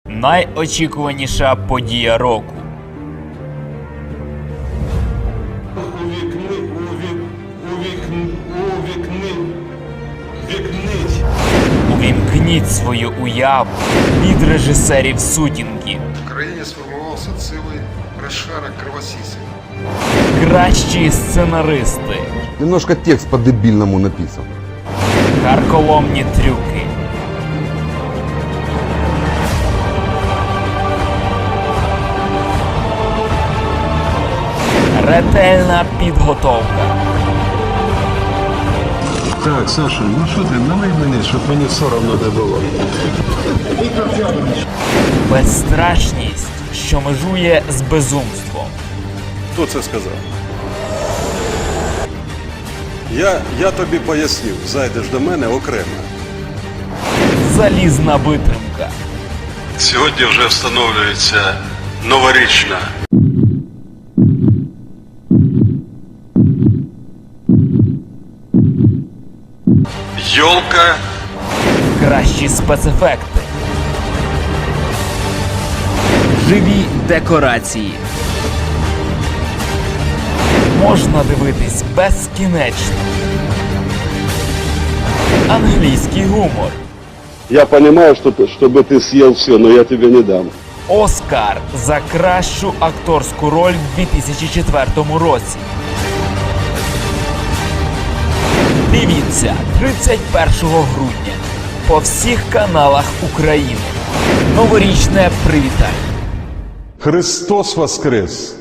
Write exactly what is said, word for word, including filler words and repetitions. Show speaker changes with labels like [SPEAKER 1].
[SPEAKER 1] Найочікуваніша подія року.
[SPEAKER 2] Увікни, увік, увікни, увікни, вікнить.
[SPEAKER 1] Увімкніть свою уяву від режисерів сутінків.
[SPEAKER 3] В країні сформувався цілий розшарок кровосісів.
[SPEAKER 1] Кращі сценаристи.
[SPEAKER 4] Немножко текст по-дебильному написан.
[SPEAKER 1] Карколомні трюки. Ретельна підготовка.
[SPEAKER 5] Так, Саша, ну що ти, налий мені, щоб мені соромно не було.
[SPEAKER 1] Безстрашність, що межує з безумством.
[SPEAKER 6] Хто це сказав? Я, я тобі поясню, зайдеш до мене окремо.
[SPEAKER 1] Залізна витримка.
[SPEAKER 5] Сьогодні вже встановлюється новорічна. Йолка.
[SPEAKER 1] Кращі спецефекти. Живі декорації. Можна дивитись безкінечно. Англійський гумор.
[SPEAKER 7] Я понимаю, что ты, чтобы ты съел все, но я тебе не дам.
[SPEAKER 1] Оскар за кращу акторську роль в дві тисячі четвертому році. Дивіться тридцять першого грудня по всіх каналах України. Новорічне привітання.
[SPEAKER 6] Христос воскрес!